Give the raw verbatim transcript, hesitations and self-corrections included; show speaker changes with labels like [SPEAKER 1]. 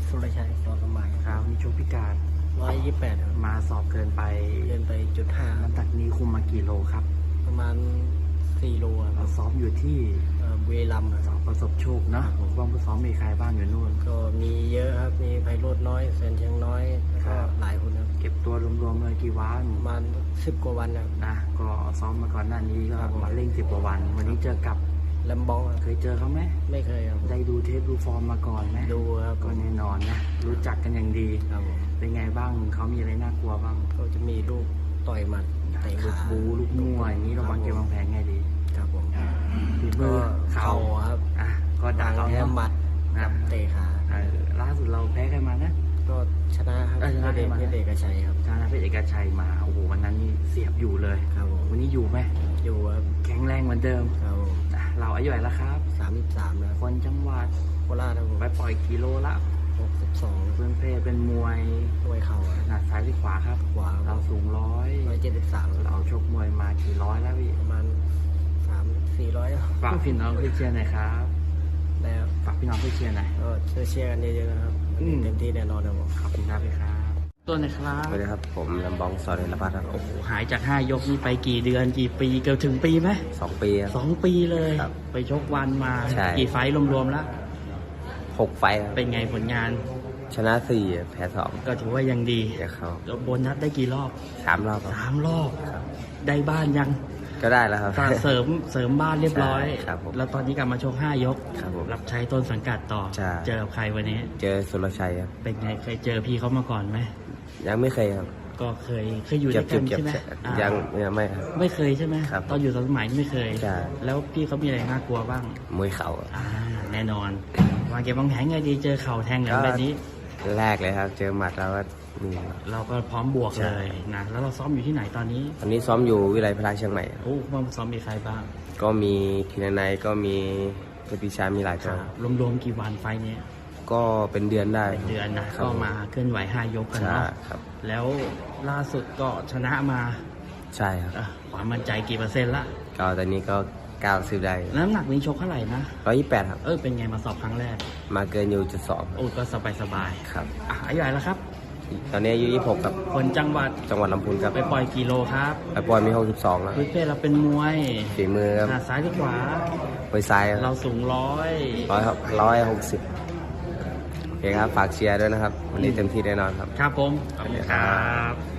[SPEAKER 1] สุรชัยสอสมัย
[SPEAKER 2] ครับมีโชคพิการ
[SPEAKER 1] ร้อยยี่สิบแปดครับ
[SPEAKER 2] มาสอบเกินไป
[SPEAKER 1] เดินไปจุดห้า
[SPEAKER 2] น้ำหนักนี้คุมมากี่โลครับ
[SPEAKER 1] ประมาณสี่โลค
[SPEAKER 2] เรา
[SPEAKER 1] รับ
[SPEAKER 2] ซ้อมอยู่ที่
[SPEAKER 1] เอ่อบุรีรัมย์ค
[SPEAKER 2] สอ
[SPEAKER 1] รั
[SPEAKER 2] บบ ประสบโชคเนอะ
[SPEAKER 1] ครับผม
[SPEAKER 2] ว่างผู้ซ้อมมีใครบ้างอยู่นู่น
[SPEAKER 1] ก็มีเยอะครับมีไพโรจน์น้อยแสนเชียงน้อยแล้ว
[SPEAKER 2] ครั
[SPEAKER 1] ก็
[SPEAKER 2] บ
[SPEAKER 1] หลายคนครับ
[SPEAKER 2] เก็บตัวรวมๆเลยกี่วัน
[SPEAKER 1] ประมาณสิบกว่าวันครับ
[SPEAKER 2] นะก็ซ้อมมาก่อนหน้านี้ก็
[SPEAKER 1] ครับผม
[SPEAKER 2] มาเร่งสิบกว่าวัน วันนี้เจอกับ
[SPEAKER 1] แลมบองครับ
[SPEAKER 2] เคยเจอเขาไหม
[SPEAKER 1] ไม่เคยครับ
[SPEAKER 2] ได้ดูเทปดูฟอร์มมาก่อนไหม
[SPEAKER 1] ดูครับ
[SPEAKER 2] ก็แน่นอนนะรู้จักกันอย่างดี
[SPEAKER 1] ครับผม
[SPEAKER 2] เป็นไงบ้างเขามีอะไรน่ากลัวบ้าง
[SPEAKER 1] ก็จะมีลูกต่อยหมัดเตะ
[SPEAKER 2] ลูก
[SPEAKER 1] ขา
[SPEAKER 2] บูลูกมั่วอย่างนี้เราวางเกมวางแผนไงดี
[SPEAKER 1] ครับผม
[SPEAKER 2] ฝีมื
[SPEAKER 1] ก็
[SPEAKER 2] อ
[SPEAKER 1] เข่าครับ
[SPEAKER 2] อ่ะก็ด่า
[SPEAKER 1] เรา
[SPEAKER 2] เรา
[SPEAKER 1] แค่
[SPEAKER 2] เนาะ
[SPEAKER 1] หมัดกับเตะขา
[SPEAKER 2] เออล่าสุดเราแพ้ใครมานะ
[SPEAKER 1] ก็ชนะครับ
[SPEAKER 2] เออชนะ
[SPEAKER 1] เดช
[SPEAKER 2] ใครมา
[SPEAKER 1] เดชเอกชัยครับ
[SPEAKER 2] ชนะเพชรเอกชัยมาโอ้โหวันนั้นนี่เสียบอยู่เลย
[SPEAKER 1] ครับผม
[SPEAKER 2] วันนี้อยู่ไหม
[SPEAKER 1] อยู่ครับ
[SPEAKER 2] แข็งแรงเหมือนเดิม
[SPEAKER 1] ครับผม
[SPEAKER 2] อ่ะเราอายุเท่าไหร่แล้วครับ
[SPEAKER 1] สามสิบสามแล้ว
[SPEAKER 2] คนจังหวัด
[SPEAKER 1] โคราชครับผม
[SPEAKER 2] ไปปล่อยกิโลละ
[SPEAKER 1] หกสิบสอง
[SPEAKER 2] เพื่อนเพศเป็นมวย
[SPEAKER 1] มวยเข่า
[SPEAKER 2] ขนาดซ้ายหรือขวาครับ
[SPEAKER 1] ขวา
[SPEAKER 2] เราสูงร้อย
[SPEAKER 1] ร้อยเจ็ดสิบสาม
[SPEAKER 2] เราชกมวยมากี่ร้อยแล้วพี่
[SPEAKER 1] ประมาณสามสี่ร้อย
[SPEAKER 2] ฝากพี่น้องพี่เชียร์หน่อยครับ
[SPEAKER 1] แล้ว
[SPEAKER 2] ฝากพี่น้องพี่เชียร์หน่อย
[SPEAKER 1] ก็ช่วยเชียร์กันเยอะๆนะครับ
[SPEAKER 2] อืม
[SPEAKER 1] เต็มที่แน่นอนครับผม
[SPEAKER 2] ขอบคุณครับพี่ครับตัวไหนครับ
[SPEAKER 3] สวัสดีครับผมลำบองสอนเรนพัฒน์ครับ
[SPEAKER 2] โอ้โหหายจากห้ายกนี่ไปกี่เดือนกี่ปีเกือบถึงปีไหม
[SPEAKER 3] สองปีครับ
[SPEAKER 2] สองปีเลย
[SPEAKER 3] ครับ
[SPEAKER 2] ไปชกวันมา
[SPEAKER 3] ใช่
[SPEAKER 2] กี่ไฟท์รวมๆแล้ว
[SPEAKER 3] หกไฟท์ครับ
[SPEAKER 2] เป็นไงผลงาน
[SPEAKER 3] ชนะสี่แพ้สอง
[SPEAKER 2] ก็ถือว่ายังดี
[SPEAKER 3] เดี๋ยวเขา
[SPEAKER 2] แล้วโบนัสได้กี่รอบ
[SPEAKER 3] สามรอบครับ
[SPEAKER 2] สามรอบ
[SPEAKER 3] ครับ
[SPEAKER 2] ได้บ้านยัง
[SPEAKER 3] ก็ได้แล้วครับ
[SPEAKER 2] สร้างเสริมเสริมบ้านเรียบร้อย
[SPEAKER 3] ใช่ครับผม
[SPEAKER 2] แล้วตอนนี้กลับมาชกห้ายก
[SPEAKER 3] ครับผม
[SPEAKER 2] รับใช้ต้นสังกัดต่อ
[SPEAKER 3] ใช่
[SPEAKER 2] เจอกับใครวันนี้
[SPEAKER 3] เจอสุรชัยครับ
[SPEAKER 2] เป็นไงเคยเจอพี่เขามาก่อนไหม
[SPEAKER 3] ยังไม่เคยครับ
[SPEAKER 2] ก็เคยเคยอยู่
[SPEAKER 3] เจ็
[SPEAKER 2] ด้
[SPEAKER 3] บ
[SPEAKER 2] วยกัน
[SPEAKER 3] เจ็บ
[SPEAKER 2] ใช่ไหม
[SPEAKER 3] เจ็บ
[SPEAKER 2] อ่า
[SPEAKER 3] ยังยังไม่ครับ
[SPEAKER 2] ไม่เคยใช่ไหม
[SPEAKER 3] ครับ
[SPEAKER 2] ตอนอยู่สมัยนี่ไม่เคย
[SPEAKER 3] ใช่
[SPEAKER 2] แล้วพี่เขามีอะไรน่ากลัวบ้าง
[SPEAKER 3] มวยเข่าครับ
[SPEAKER 2] อ่าแน่นอนวางเกมวางแผนไงดีเจอเข่าแทงแหลมแบบนี้
[SPEAKER 3] แรกเลยครับ เจอหมัดแล้วก็นี่ครับ
[SPEAKER 2] เราก็พร้อมบวก
[SPEAKER 3] ใช่
[SPEAKER 2] เลยนะแล้วเราซ้อมอยู่ที่ไหนตอนนี้
[SPEAKER 3] ตอนนี้ซ้อมอยู่วิไลพลาเชียงใหม่ครับ
[SPEAKER 2] โอ้มาซ้อมมีใครบ้าง
[SPEAKER 3] ก็มีทีนายก็มีเพชรพิชามีหลายตัว
[SPEAKER 2] รวมๆกี่วันไฟล์เนี้ย
[SPEAKER 3] ก็เป็นเดือนได้
[SPEAKER 2] เป็นเดือนนะ
[SPEAKER 3] ครับ
[SPEAKER 2] ก็มาเคลื่อนไหวห้ายกกัน
[SPEAKER 3] ใช่
[SPEAKER 2] เนาะ
[SPEAKER 3] ครับ
[SPEAKER 2] แล้วล่าสุดก็ชนะมา
[SPEAKER 3] ใช่ครับ
[SPEAKER 2] อ่ะความมั่นใจกี่เปอร์เซ็นต์ละ
[SPEAKER 3] ก็ตอนนี้ก็เก้าสิบได้
[SPEAKER 2] น้ำหนักนี้ชกเท่าไหร่นะ
[SPEAKER 3] ร้อยยี่สิบแปดครับ
[SPEAKER 2] เออเป็นไงมาสอบครั้งแรก
[SPEAKER 3] มาเกินอยู่จุดสอง
[SPEAKER 2] โอ้ก็สบายสบาย
[SPEAKER 3] ครับ
[SPEAKER 2] ๆอ่ะอายุเท่าไหร่แล้วครับ
[SPEAKER 3] ตอนนี้อายุยี่สิบหกครับ
[SPEAKER 2] คนจังหวัด
[SPEAKER 3] จังหวัดลำพูนครับ
[SPEAKER 2] ไปปล่อยกิโลครับ
[SPEAKER 3] ไปปอยมีหกสิบสองแล้ว
[SPEAKER 2] พื้นเพเราเป็นมวย
[SPEAKER 3] ฝีมือครับ
[SPEAKER 2] หน้าซ้ายหรือขวา
[SPEAKER 3] มวยซ้าย
[SPEAKER 2] เราสูงร้อย
[SPEAKER 3] ร้อยครับร้อยหกสิบโอเคครับ ฝากเชียร์ด้วยนะครับ วันนี้เต็มที่แน่นอนครับ
[SPEAKER 2] ครับผมขอบคุณครับ